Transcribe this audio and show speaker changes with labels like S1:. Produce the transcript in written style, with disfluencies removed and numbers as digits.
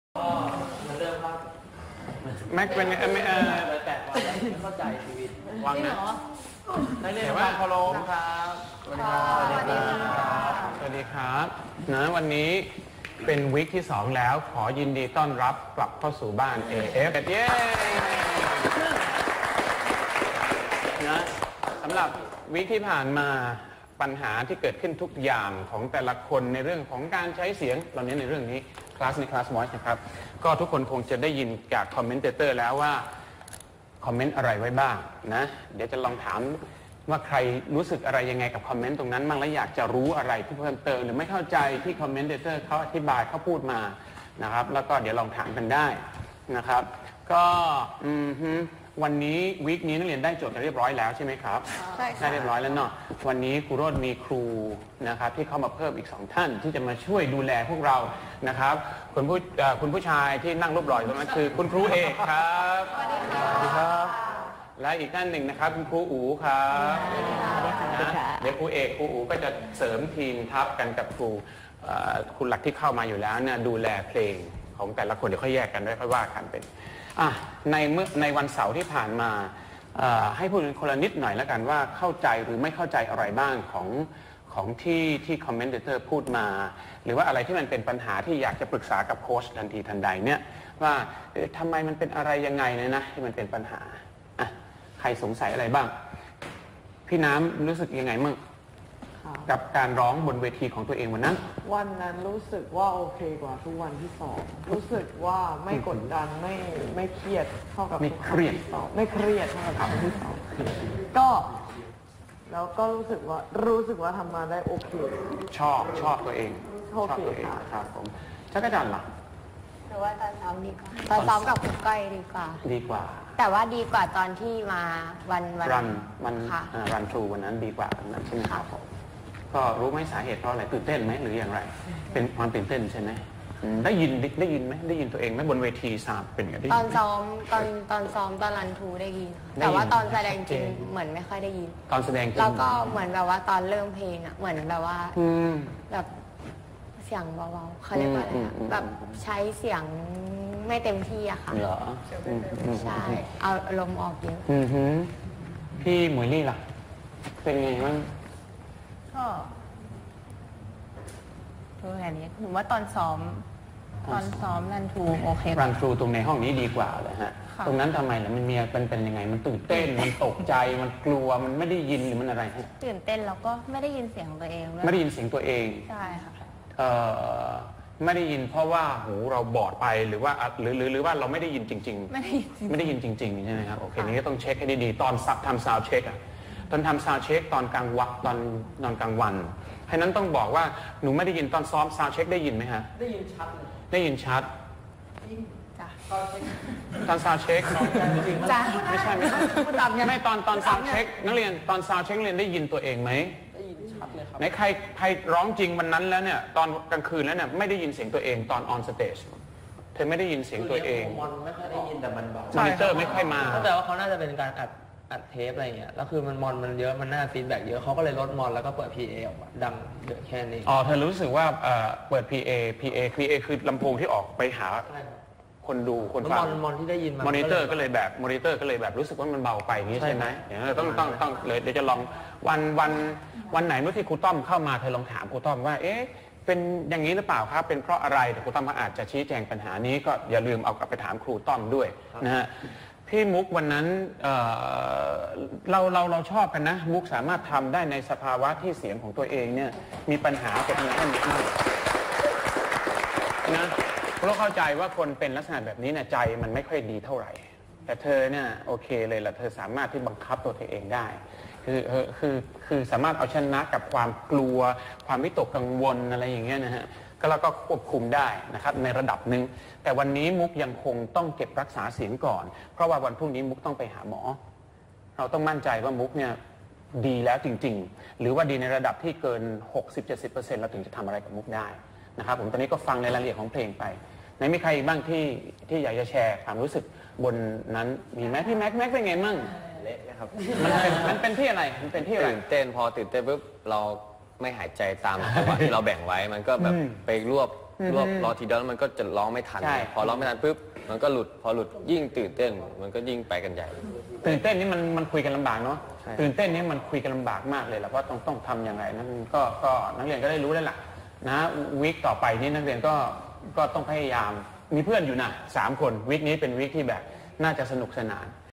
S1: ก็มาเริ่มครับ
S2: แม็กเป็น
S1: เลย8 วันแล้วไม่เข้าใจชีวิต
S2: วังนะ
S1: ในเรื่องความเคารพครับ
S2: สวัสดีครับสวัสดีครับนะวันนี้เป็นวีคที่2แล้วขอยินดีต้อนรับกลับเข้าสู่บ้าน AF เย้นะสำหรับวีคที่ผ่านมาปัญหาที่เกิดขึ้นทุกอย่างของแต่ละคนในเรื่องของการใช้เสียงเราเน้นในเรื่องนี้คลาส Voice นะครับก็ทุกคนคงจะได้ยินจากคอมเมนเตอร์แล้วว่าคอมเมนต์อะไรไว้บ้างนะเดี๋ยวจะลองถามว่าใครรู้สึกอะไรยังไงกับคอมเมนต์ตรงนั้นบ้างและอยากจะรู้อะไรที่เพิ่มเติมหรือไม่เข้าใจที่คอมเมนเตอร์เขาอธิบายเขาพูดมานะครับแล้วก็เดี๋ยวลองถามกันได้นะครับก็วันนี้วีคนี้นักเรียนได้โจทย์กันเรียบร้อยแล้วใช่ไหมครับ
S3: ใช่ค่ะ
S2: ได้เรียบร้อยแล้วเนาะวันนี้ครูโรจน์มีครูนะครับที่เข้ามาเพิ่มอีก2ท่านที่จะมาช่วยดูแลพวกเรานะครับคุณผู้ชายที่นั่งรูปหล่อตรงนั้นคือคุณครูเอกครับสวัสดีครับและอีกท่านหนึ่งนะครับคุณครูอู๋ครับเดี๋ยวครูเอกครูอู๋ก็จะเสริมทีมทัพกันกับครูคุณหลักที่เข้ามาอยู่แล้วเนี่ยดูแลเพลงของแต่ละคนเดี๋ยวค่อยแยกกันด้วยค่อยว่ากันเป็นในวันเสาร์ที่ผ่านมาให้พูดคนละนิดหน่อยแล้วกันว่าเข้าใจหรือไม่เข้าใจอะไรบ้างของที่คอมเมนเตอร์พูดมาหรือว่าอะไรที่มันเป็นปัญหาที่อยากจะปรึกษากับโค้ชทันทีทันใดเนี่ยว่าทำไมมันเป็นอะไรยังไงเนี่ยนะที่มันเป็นปัญหาใครสงสัยอะไรบ้างพี่น้ำรู้สึกยังไงมั่งกับการร้องบนเวทีของตัวเองวันนั้น
S3: รู้สึกว่าโอเคกว่าทุกวันที่สอบรู้สึกว่าไม่กดดันไม่เครียดเท่ากับ
S2: ไม่เครียด
S3: เท่ากับวันที่สอบก็แล้วก็รู้สึกว่าทำมาได้โอเค
S2: ชอบตัวเอง
S3: โอเค
S2: ครับผมจักรจันทร์ล่ะ
S4: หรือว่าตอนซ้อมดีกว่าตอนซ้อมกับคุณก้อยดีกว่าแต่ว่าดีกว่าตอนที่มาวัน
S2: รันทรูวันนั้นดีกว่านั้นใช่ไหมครับผมก็รู้ไหมสาเหตุเพราะอะไรตื่นเต้นไหมหรืออย่างไรเป็นความตื่นเต้นใช่ไหมได้ยินไหมได้ยินตัวเองไหมบนเวทีสามเป็นไง
S4: ตอนซ้อมตอนรันทรูได้ยินแต่ว่าตอนแสดงจริงเหมือนไม่ค่อยได้ยิน
S2: ตอนแสดงจริง
S4: แล้วก็เหมือนแบบว่าตอนเริ่มเพลงอ่ะเหมือนแบบว่าแบบเสียงเบาๆเขาเรียกว่าอะไรแบบใช้เสียงไม่เต็มที่อะค่ะ
S2: เหรอ
S4: ใช่เอาลมออกเยอะ
S2: พี่หมวยลี่ล่ะเป็นไงบ้าง
S5: ก็ตัวแบบนี้หนูว่าตอนซ้อมรันทรูโอเค
S2: รันทรูตรงในห้องนี้ดีกว่าเลยฮะตรงนั้นทำไมล่ะมันเป็นยังไงมันตื่นเต้นมันตกใจมันกลัวมันไม่ได้ยินหรือมันอะไรฮะ
S5: ตื่นเต้นแล้วก็ไม่ได้ยินเสียงตัวเอง
S2: ไม่ได้ยินเสียงตัวเอง
S5: ใช่ค่ะ
S2: ไม่ได้ยินเพราะว่าหูเราบอดไปหรือว่าหรือว่าเราไม่ได้ยินจริงๆไม่ได้ยินจริงๆใช่ไหมครับโอเคนี้ก็ต้องเช็คให้ดีๆตอนทำซาวด์เช็คอะตอนทำซาวด์เช็คตอนกลางวันตอนกลางวันให้นั้นต้องบอกว่าหนูไม่ได้ยินตอนซ้อมซาวด์เช็คได้ยินไหมฮะ
S1: ได้ยินชัด
S2: ได้ยินชัดตอนซาวด์เช็ค
S5: จ้ะ
S2: ไม่ใช่ไม่ตอนซาวด์เช็คนักเรียนตอนซาวด์เช็คเรียนได้ยินตัวเองไหม
S1: ได้ยินชัดเลยครับ
S2: ไหนใครร้องจริงวันนั้นแล้วเนี่ยตอนกลางคืนแล้วเนี่ยไม่ได้ยินเสียงตัวเองตอนออนสเตจเธอไม่ได้ยินเสียงตัวเอง
S1: มอนไม่ค่อยได้ยินแต่มันเบาม
S2: อนิเตอร์ไม่ค่อยมา
S1: แต่ว่าเขาน่าจะเป็นการอัดเทปอะไรเงี้ยแล้วคือมันเยอะมันน่าฟีดแบ็กเยอะเขาก็เลยลดมอนแล้วก็เปิด PA ออกมาดังเยอะแค่นี้
S2: เธอรู้สึกว่าเปิด PA คือลำโพงที่ออกไปหาคนดูคนฟัง
S1: มอนที่ได้ยิน
S2: มอนิเตอร์ก็เลยแบบรู้สึกว่ามันเบาไปอย่างนี้ใช่ไหมต้องเลยเดี๋ยวจะลองวันไหนเมื่อที่ครูต้อมเข้ามาเธอลองถามครูต้อมว่าเป็นอย่างนี้หรือเปล่าครับเป็นเพราะอะไรแต่ครูต้อมอาจจะชี้แจงปัญหานี้ก็อย่าลืมเอากลับไปถามครูต้อมด้วยนะฮะพี่มุกวันนั้นเราชอบกันนะมุกสามารถทำได้ในสภาวะที่เสียงของตัวเองเนี่ยมีปัญหากับมีท่านนี้นะเราเข้าใจว่าคนเป็นลักษณะแบบนี้เนี่ยใจมันไม่ค่อยดีเท่าไหร่แต่เธอเนี่ยโอเคเลยล่ะเธอสามารถที่บังคับตัวเธอเองได้คือสามารถเอาชนะกับความกลัวความวิตกกังวลอะไรอย่างเงี้ยนะฮะก็แล้วก็ควบคุมได้นะครับในระดับหนึ่งแต่วันนี้มุกยังคงต้องเก็บรักษาเสียงก่อนเพราะว่าวันพรุ่งนี้มุกต้องไปหาหมอเราต้องมั่นใจว่ามุกเนี่ยดีแล้วจริงๆหรือว่าดีในระดับที่เกิน 60-70% เราถึงจะทำอะไรกับมุกได้นะครับผมตอนนี้ก็ฟังในรายละเอียดของเพลงไปไหนมีใครบ้างที่อยากจะแชร์ความรู้สึกบนนั้นมีไหมพี่แม็กเป็นไงมั่ง
S6: เละนะครับ
S2: มันเป็นที่อะไรมันเป็นที่อะไร
S6: ตื่นเต้นพอตื่นเต้นปุ๊บเราไม่หายใจตามจังหวะที่เราแบ่งไว้มันก็แบบไปรวบรอทีเดียวแล้วมันก็จะร้องไม่ทัน
S2: ใช่
S6: พอร้องไม่ทันปุ๊บมันก็หลุดพอหลุดยิ่งตื่นเต้นมันก็ยิ่งไปกันใหญ่
S2: ตื่นเต้นนี่มันคุยกันลำบากเนาะ
S6: ใช่
S2: ตื่นเต้นนี่มันคุยกันลำบากมากเลยแหละว่าต้องทำยังไงนั่นก็นักเรียนก็ได้รู้แล้วล่ะนะวีคต่อไปนี่นักเรียนก็ต้องพยายามมีเพื่อนอยู่นะ3 คนวีคนี้เป็นวีคที่แบบน่าจะสนุกสนาน